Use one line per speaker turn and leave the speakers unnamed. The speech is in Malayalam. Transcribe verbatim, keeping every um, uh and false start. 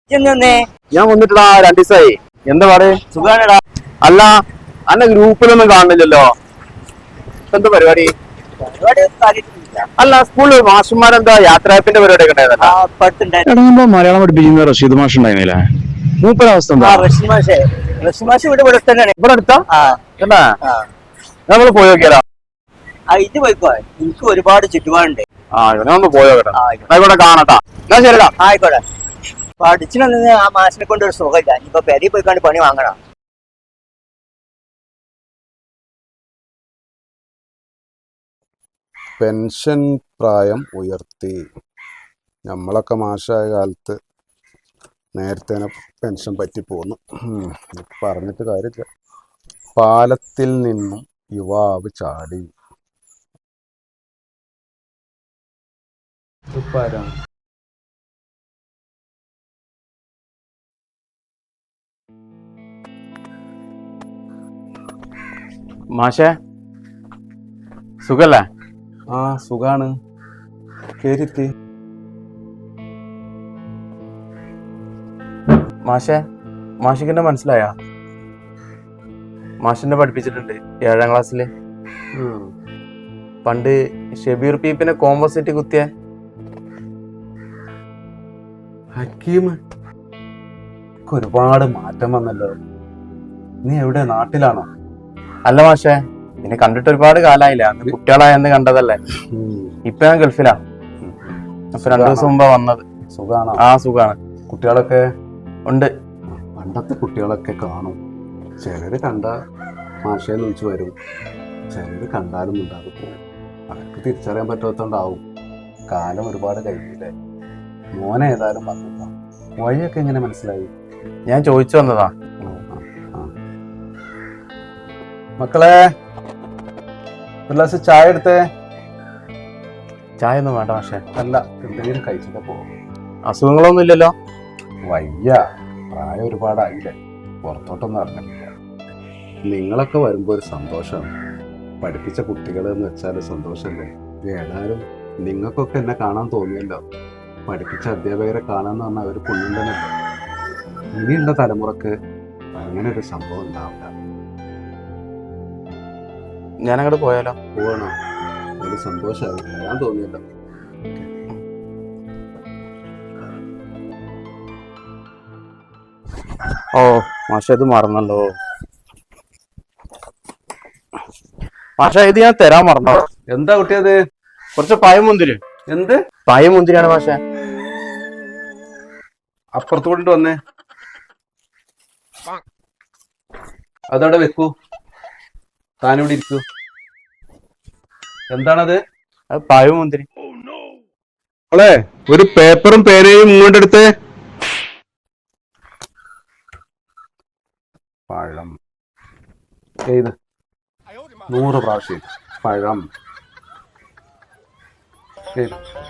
ഞാൻ വന്നിട്ടാ രണ്ടു ദിവസമായി. എന്താ പാട്? സുഖാണടാ. അല്ല, അന്നെ ഗ്രൂപ്പിലൊന്നും കാണുന്നില്ലല്ലോ. എന്താ പരിപാടി? അല്ല, സ്കൂളിൽ മാഷന്മാരെന്താ യാത്രയപ്പിന്റെ പരിപാടിയൊക്കെ ഉണ്ടായിരുന്നല്ലോ. മലയാളം പഠിപ്പിക്കുന്ന റഷീദ് മാഷ് ഉണ്ടായിരുന്നില്ലേ? മൂപ്പരവസ്ഥ എന്താ? ഇവിടെ അടുത്താ? നമ്മള് പോയി നോക്കിയാലോ?
ഇത് പോയിക്കോ, എനിക്ക് ഒരുപാട് ചുറ്റുപാടുണ്ട്.
ആ ഇവനെ ഒന്ന് പോയോ കേട്ടോ. ആയിക്കോട്ടെ, കാണട്ടാ. എന്നാ ശരിടാ.
ആയിക്കോട്ടെ. പഠിച്ചിനൊന്നും ആ മാഷിനെ കൊണ്ട് ഒരു സുഖമില്ല. ഇപ്പൊ പെരി പോയിക്കാണ്ട് പണി വാങ്ങണം.
പെൻഷൻ പ്രായം ഉയർത്തി. നമ്മളൊക്കെ മാഷായ കാലത്ത് നേരത്തെ പെൻഷൻ പറ്റി പോന്നു. പറഞ്ഞിട്ട് കാര്യമില്ല. പാലത്തിൽ നിന്നും യുവാവ് ചാടി.
മാഷേ, സുഖല്ലേ?
ആ സുഖാണ്. കേരിത്തി.
മാഷേ, മാഷിക്കെന്നെ മനസ്സിലായ? മാഷിനെ പഠിപ്പിച്ചിട്ടുണ്ട് ഏഴാം ക്ലാസ്സില്. പണ്ട് ഷബീർ പീപ്പിനെ കോമ്പോസിറ്റ് കുത്തിയ
ഹക്കീം. ഒരുപാട് മാറ്റം വന്നല്ലോ. നീ എവിടെ, നാട്ടിലാണോ?
അല്ല മാഷേ, നിന്നെ കണ്ടിട്ട് ഒരുപാട് കാലായില്ല. അന്ന് കുട്ടികളായെന്ന് കണ്ടതല്ലേ. ഇപ്പൊ ഞാൻ ഗൾഫിലാ. അപ്പൊ രണ്ടു ദിവസം മുമ്പാ വന്നത്.
സുഖാണോ?
ആ സുഖാണ്.
കുട്ടികളൊക്കെ
ഉണ്ട്.
പണ്ടത്തെ കുട്ടികളൊക്കെ കാണും. ചിലര് കണ്ട മാഷയെ വിളിച്ചു വരും, ചിലര് കണ്ടാലും ഉണ്ടാകും പോകും. അവർക്ക് തിരിച്ചറിയാൻ പറ്റാത്തോണ്ടാവും. കാലം ഒരുപാട് കഴിഞ്ഞില്ലേ. മോനെ ഏതായാലും വന്നിട്ടാ. വഴിയൊക്കെ എങ്ങനെ മനസ്സിലായി?
ഞാൻ ചോദിച്ചു വന്നതാ.
മക്കളെ, ഒരു ഗ്ലാസ് ചായ എടുത്തേ.
ചായ ഒന്നും വേണ്ട മാഷേ.
അല്ല, എന്തെങ്കിലും കഴിച്ചിട്ട് പോകും.
അസുഖങ്ങളൊന്നും ഇല്ലല്ലോ?
വയ്യ, പ്രായം ഒരുപാടായില്ലേ. പുറത്തോട്ടൊന്നും ഇറങ്ങില്ല. നിങ്ങളൊക്കെ വരുമ്പോൾ ഒരു സന്തോഷമാണ്. പഠിപ്പിച്ച കുട്ടികൾ എന്ന് വെച്ചാൽ സന്തോഷമല്ലേ. ഏതായാലും നിങ്ങൾക്കൊക്കെ എന്നെ കാണാൻ തോന്നിയല്ലോ. പഠിപ്പിച്ച അധ്യാപകരെ കാണാന്ന് പറഞ്ഞാൽ ഒരു പുണ്യം തന്നെയല്ലേ. ഇനിയുള്ള തലമുറക്ക് അങ്ങനെ ഒരു സംഭവം ഉണ്ടാവില്ല.
ഞാനങ്ങോട്ട് പോയാലോ?
പോകണോ? ഒരു സന്തോഷമായി വരാൻ തോന്നിയല്ലോ.
ഓ മാഷ, ഇത് മറന്നല്ലോ മാഷ. ഇത് ഞാൻ തരാൻ മറന്നോ?
എന്താ കുട്ടിയത്?
കുറച്ച് പായം മുന്തിരി.
എന്ത്
പായം മുന്തിരിയാണ് മാഷ.
അപ്പുറത്ത് കൊണ്ടിട്ട് വന്നേ. അതവിടെ വെക്കൂ. താനിവിടെ ഇരിക്കൂ. എന്താണത്?
അത് പായം മുന്തിരി.
അവളെ ഒരു പേപ്പറും പേനയും ഇങ്ങോട്ട് എടുത്ത്. പഴം ഏത്? നൂറ് പ്രാവശ്യം പഴം.